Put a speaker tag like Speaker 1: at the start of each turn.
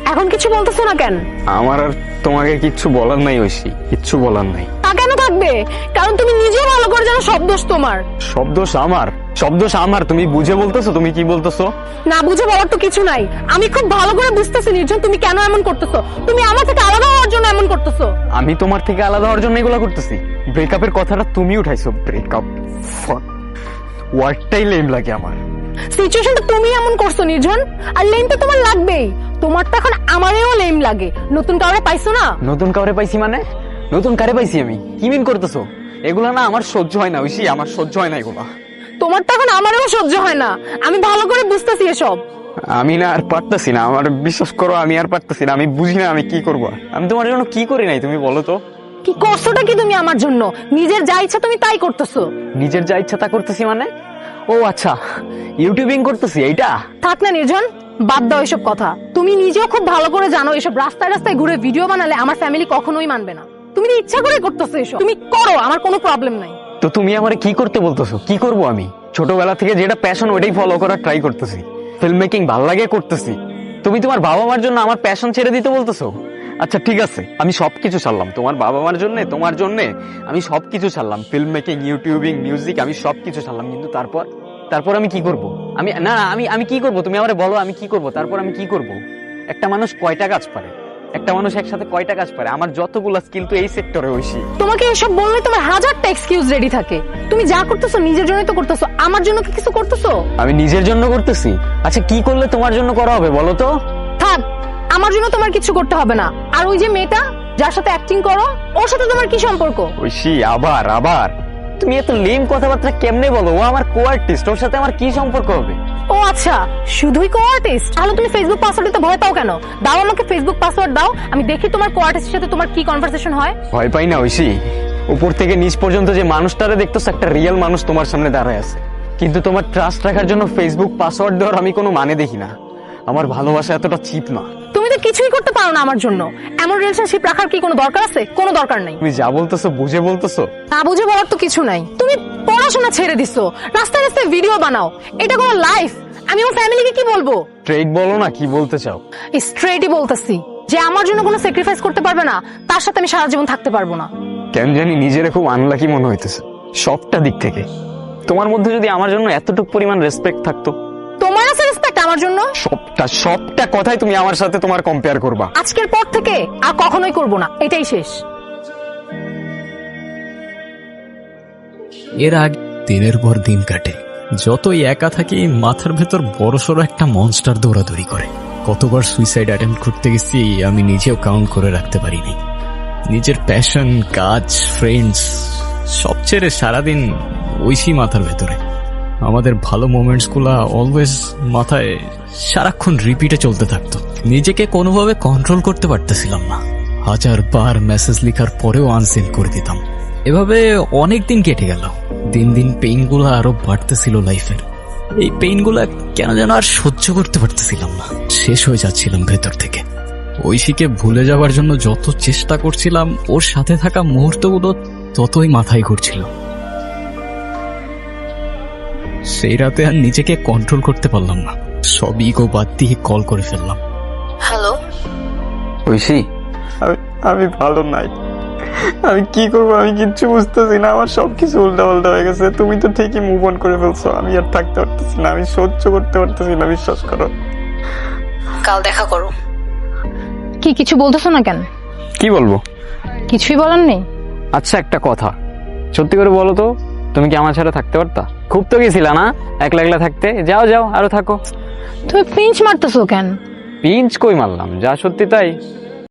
Speaker 1: এখন কিছু বলতেছো না কেন?
Speaker 2: আমার আর তোমাকে কিচ্ছু বলার নাই ঐশী, কিচ্ছু বলার নাই।
Speaker 1: তা কেন থাকবে? কারণ তুমি নিজেও ভালো করে জানো সব দোষ তোমার।
Speaker 2: সব দোষ আমার? সব দোষ আমার? তুমি বুঝে বলতেছো? তুমি কি বলতেছো?
Speaker 1: না বুঝে বলার তো কিছু নাই। আমি খুব ভালো করে বুঝতেছি নির্জন তুমি কেন এমন করতেছো। তুমি আমার থেকে আলাদা হওয়ার জন্য এমন করতেছো।
Speaker 2: আমি তোমার থেকে আলাদা হওয়ার জন্য এগুলো করতেছি? ব্রেকআপের কথাটা তুমি উঠাইছো। ব্রেকআপ ওয়ার্ডটাই লেম লাগে আমার।
Speaker 1: সিচুয়েশনটা তুমি এমন করছো নির্জন, আর লেম তো তোমার লাগবেই। তোমার তো এখন আমারেও লেম লাগে। নতুন কাউরে পাইছো না?
Speaker 2: নতুন কাউরে পাইছি মানে? নতুন কারে পাইছি আমি? কি মিন করতেছো? এগুলা না আমার সহ্য হয় না ঐশী, আমার সহ্য হয় না এগুলা।
Speaker 1: তোমার তো এখন আমারেও সহ্য হয় না। আমি ভালো করে বুঝতেছি এসব।
Speaker 2: আমি না আর পারতেছি না, আমার বিশ্বাস করো আমি আর পারতেছি না। আমি বুঝি না আমি কি করব। আমি তোমার জন্য কি করি নাই তুমি বলো তো?
Speaker 1: কি করছোটা কি তুমি আমার জন্য? নিজের যা ইচ্ছা তুমি তাই করতেছো।
Speaker 2: নিজের যা ইচ্ছা তা করতেছি মানে? ও আচ্ছা, ইউটিউবিং করতেছি এইটা?
Speaker 1: থাক না নির্জন, বাদ দাও এসব কথা। তুমি নিজেও খুব ভালো করে জানো এসব রাস্তায় রাস্তায় ঘুরে ভিডিও বানালে আমার ফ্যামিলি কখনোই মানবে না। তুমি ইচ্ছা করে করতেছো এসব। তুমি করো, আমার কোনো প্রবলেম নাই।
Speaker 2: তো তুমি আমারে কি করতে বলতেছো? কি করব আমি? ছোটবেলা থেকে যেটা প্যাশন ওইটাই ফলো করার ট্রাই করতেছি। ফিল্ম মেকিং ভালো লাগে করতেছি। তুমি তোমার বাবা মার জন্য আমার প্যাশন ছেড়ে দিতে বলতেছো? আচ্ছা ঠিক আছে, আমি সবকিছু ছাড়লাম তোমার বাবা মার জন্য, তোমার জন্য আমি সবকিছু ছাড়লাম। ফিল্ম মেকিং, ইউটিউবিং, মিউজিক, আমি সবকিছু ছাড়লাম। কিন্তু তারপর আমি কি করব? আমি কি করব? তুমি আমারে বলো আমি কি করব? তারপর আমি কি করব? একটা মানুষ কয়টা কাজ পারে? একটা মানুষ একসাথে কয়টা কাজ পারে? আমার যতগুলো স্কিল তো এই সেক্টরে ঐশী।
Speaker 1: তোমাকে এসব বললে তোমার হাজারটা এক্সকিউজ রেডি থাকে। তুমি যা করতেছো নিজের জন্যই তো করতেছো, আমার জন্য কি কিছু করতেছো?
Speaker 2: আমি নিজের জন্য করতেছি? আচ্ছা কি করলে তোমার জন্য করা হবে বলো তো?
Speaker 1: থাক, আমার জন্য তোমার কিছু করতে হবে না। আর ওই যে মেয়েটা যার সাথে অ্যাক্টিং করো, ওর সাথে তোমার কি সম্পর্ক?
Speaker 2: ঐশী আবার তুমি এত লেম কথাবার্তা কেমনে বলো? ও আমার কো-আর্টিস্ট, ওর সাথে আমার কি সম্পর্ক হবে?
Speaker 1: ও আচ্ছা, শুধুই কো আর্টিস্ট? তাহলে তুমি ফেসবুক পাসওয়ার্ড দিতে ভয় পাও কেন? দাও আমাকে ফেসবুক পাসওয়ার্ড দাও, আমি দেখি তোমার কো আর্টিস্টের সাথে তোমার কি কনভারসেশন হয়।
Speaker 2: ভয় পাই না ঐশী। উপর থেকে নিচ পর্যন্ত যে মানুষটারে দেখতেছো, একটা রিয়েল মানুষ তোমার সামনে দাঁড়ায় আছে। কিন্তু তোমার ট্রাস্ট রাখার জন্য ফেসবুক পাসওয়ার্ড দেওয়ার আমি কোনো মানে দেখি না। আমার ভালোবাসা এতটা চিপ না।
Speaker 1: তুমি তো কিছুই করতে পারো না আমার জন্য। এমন রিলেশনশিপ রাখার কি কোনো দরকার আছে? কোনো দরকার নাই।
Speaker 2: তুমি যা বলতেছো বুঝে বলতেছো?
Speaker 1: না বুঝে বলার তো কিছু নাই। তুমি পড়াশোনা ছেড়ে দিছো, রাস্তায় রাস্তায় ভিডিও বানাও। এটা কোনো লাইফ? আমি আমার ফ্যামিলিকে কি বলবো?
Speaker 2: স্ট্রেট বলো না, কি বলতে চাও?
Speaker 1: স্ট্রেটই বলতেছি যে আমার জন্য কোনো স্যাক্রিফাইস করতে পারবে না, তার সাথে আমি সারা জীবন থাকতে পারবো না।
Speaker 2: কেন জানি নিজেরে খুব আনলাকি মনে হইতেছে সবটা দিক থেকে। তোমার মধ্যে যদি আমার জন্য এতটুকু পরিমাণ রেসপেক্ট থাকতো।
Speaker 1: তোমার আছে রেসপেক্ট আমার জন্য?
Speaker 2: সবটা কথাই তুমি আমার সাথে তোমার কম্পেয়ার করবা।
Speaker 1: আজকের পর থেকে আর কখনোই করব না, এটাই শেষ।
Speaker 3: এর আগে দিনের পর দিন কাটে, যতই একা থাকি মাথার ভেতর বড়সড় একটা মনস্টার দৌড়াদৌড়ি করে। কতবার সুইসাইড অ্যাটেম্প্ট করতে গেছি আমি নিজেও কাউন্ট করে রাখতে পারিনি। নিজের প্যাশন, কাজ, ফ্রেন্ডস সব ছেড়ে সারাদিন ঐশী মাথার ভেতরে। আমাদের ভালো মোমেন্টস গুলা অলওয়েজ মাথায় সারাক্ষণ রিপিটে চলতে থাকতো। নিজেকে কোনোভাবে কন্ট্রোল করতে পারতেছিলাম না। হাজারবার মেসেজ লেখার পরেও আনসেন্ড করে দিতাম। এভাবে অনেক দিন কেটে গেল। দিন দিন পেইন গুলা আরো বাড়তেছিল লাইফের। এই পেইন গুলা কেন যেন আর সহ্য করতে পারতেছিলাম না। শেষ হয়ে যাচ্ছিলাম ভেতর থেকে। ঐশীকে ভুলে যাওয়ার জন্য যত চেষ্টা করছিলাম, ওর সাথে থাকা মুহূর্তগুলো ততই মাথায় ঘুরছিল। সেই রাতে আর নিজেকে কন্ট্রোল করতে পারলাম না। সব ইগো বাদ দিয়ে কল করে ফেললাম।
Speaker 1: হ্যালো
Speaker 2: ঐশী, আমি ভালো নাই। আমি কি করবো আমি কিচ্ছু বুঝতেছি না। আমার সবকিছু উল্টা পাল্টা হয়ে গেছে। তুমি তো ঠিকই মুভ অন করে ফেলছো, আমি আর থাকতে পারতেছি না। আমি সহ্য করতে পারতেছি না, বিশ্বাস করো।
Speaker 1: কাল দেখা করো। কি কিছু বলতেছো না কেন?
Speaker 2: কি বলবো?
Speaker 1: কিছুই বলার নেই?
Speaker 2: আচ্ছা একটা কথা, সত্যি করে বলো তো, তুমি কি আমার ছাড়া থাকতে পারতা? খুব তো গেছিলা না একলা একলা থাকতে? যাও যাও আরো থাকো।
Speaker 1: তুমি পিঞ্চ মারতেছো কেন?
Speaker 2: পিঞ্চ কই মারলাম, যা সত্যি তাই।